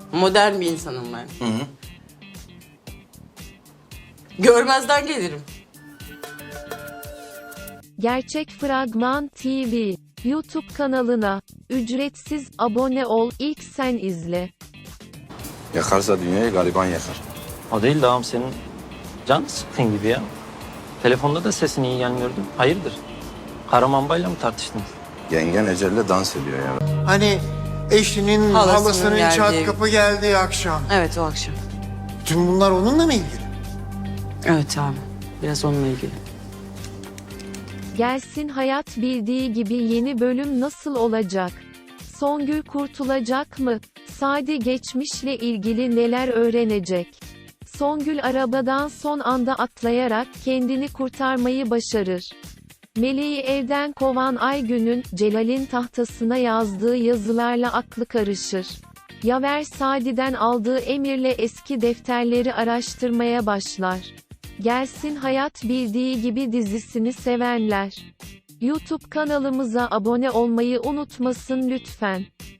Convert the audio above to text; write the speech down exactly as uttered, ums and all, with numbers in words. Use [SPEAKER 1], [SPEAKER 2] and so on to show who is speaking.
[SPEAKER 1] Modern bir insanım ben.
[SPEAKER 2] Hı hı.
[SPEAKER 1] Görmezden gelirim.
[SPEAKER 3] Gerçek Fragman T V YouTube kanalına ücretsiz abone ol, ilk sen izle.
[SPEAKER 2] Yakarsa dünyayı gariban yakar.
[SPEAKER 4] O değil de ağam, senin can sıkkın gibi ya. Telefonda da sesin iyi gelmiyordu. Hayırdır? Karamanbayla mı tartıştınız?
[SPEAKER 2] Yengen Ecel'le dans ediyor ya.
[SPEAKER 5] Hani eşinin
[SPEAKER 1] Halasının
[SPEAKER 5] halasının
[SPEAKER 1] geldiği-
[SPEAKER 5] çat kapı geldiği akşam.
[SPEAKER 1] Evet, o akşam.
[SPEAKER 5] Tüm bunlar onunla mı ilgili?
[SPEAKER 1] Evet abi. Biraz onunla ilgili.
[SPEAKER 3] Gelsin Hayat Bildiği Gibi yeni bölüm nasıl olacak? Songül kurtulacak mı? Sadi geçmişle ilgili neler öğrenecek? Songül arabadan son anda atlayarak kendini kurtarmayı başarır. Meleği evden kovan Aygün'ün Celal'in tahtasına yazdığı yazılarla aklı karışır. Yaver Sadi'den aldığı emirle eski defterleri araştırmaya başlar. Gelsin Hayat Bildiği Gibi dizisini sevenler YouTube kanalımıza abone olmayı unutmasın lütfen.